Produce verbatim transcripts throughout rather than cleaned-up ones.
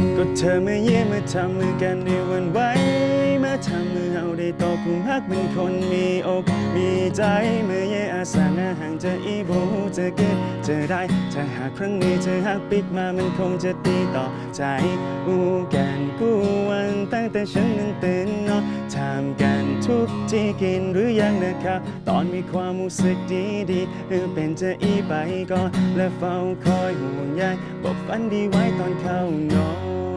ก็เธอมาเยี่ยมมาทำมือกันในวันไว้มาทำมือเอาได้ตกคุมฮักเป็นคนมีอกมีใจเมื่อเย่อาสางาห่างจะอีโบหูจะเกิดจะได้ถ้าหากครั้งนี้เธอหักปิดมามันคงจะตีต่อใจอูกันกูวันตั้งแต่ฉันนั้นตื่นนอนทำกันทุกที่กินหรือยังนะครับตอนมีความรู้สึกดีดีๆเออเป็นจะอีไปก่อนและเฝ้าคอยห่วงใยบอกฝันดีไว้ตอนเข้านอน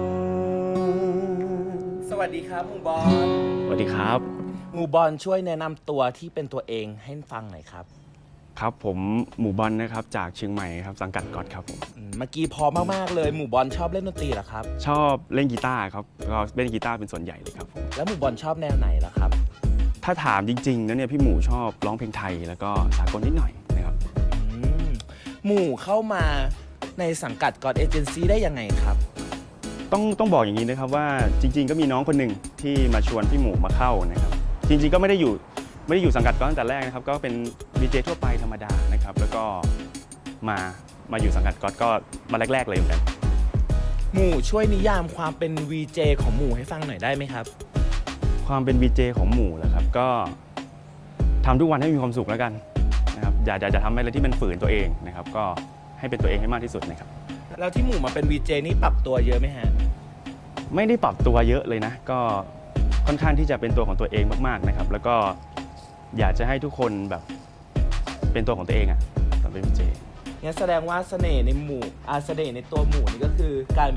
สวัสดีครับหมู่บอลสวัสดีครับหมู่บอลช่วยแนะนำตัวที่เป็นตัวเองให้ฟังหน่อยครับครับผมหมู่บอลนะครับจากเชียงใหม่ครับสังกัดก๊อตครับผมอืมเมื่อกี้พอมากๆเลยหมู่บอลชอบเล่นดนตรีเหรอครับชอบเล่นกีตาร์ครับก็เล่นกีตาร์เป็นส่วนใหญ่เลยครับผมแล้วหมู่บอลชอบแนวไหนล่ะครับถ้าถามจริงๆแล้วเนี่ยพี่หมู่ชอบร้องเพลงไทยแล้วก็สากลนิดหน่อยนะครับอืมหมู่เข้ามาในสังกัดกอดเอเจนซี่ได้ยังไงครับต้องต้องบอกอย่างนี้นะครับว่าจริงๆก็มีน้องคนหนึ่งที่มาชวนพี่หมู่มาเข้านะครับจริงๆก็ไม่ได้อยู่ไม่ได้อยู่สังกัดก๊อตตั้งแต่แรกนะครับก็เป็นดีเจทั่วไปธรรมดานะครับแล้วก็มามาอยู่สังกัดก๊อตก็มาแรกๆเลยเหมือนกันหมู่ช่วยนิยามความเป็น วี เจ ของหมู่ให้ฟังหน่อยได้ไหมครับความเป็น วี เจ ของหมู่แหละครับก็ทำทุกวันให้มีความสุขแล้วกันนะครับอย่าอย่าจะทำอะไรที่มันฝืนตัวเองนะครับก็ให้เป็นตัวเองให้มากที่สุดนะครับแล้วที่หมู่มาเป็น วี เจ นี่ปรับตัวเยอะไหมฮะไม่ได้ปรับตัวเยอะเลยนะก็ค่อนข้างที่จะเป็นตัวของตัวเองมากๆนะครับแล้วก็อยากจะให้ทุกคนแบบเป็นตัวของตัวเองอ่ะตอนเป็น วี เจงั้นแสดงว่าเสน่ห์ในหมู่อาเสน่ห์ในตัวหมู่นี่ก็คือการ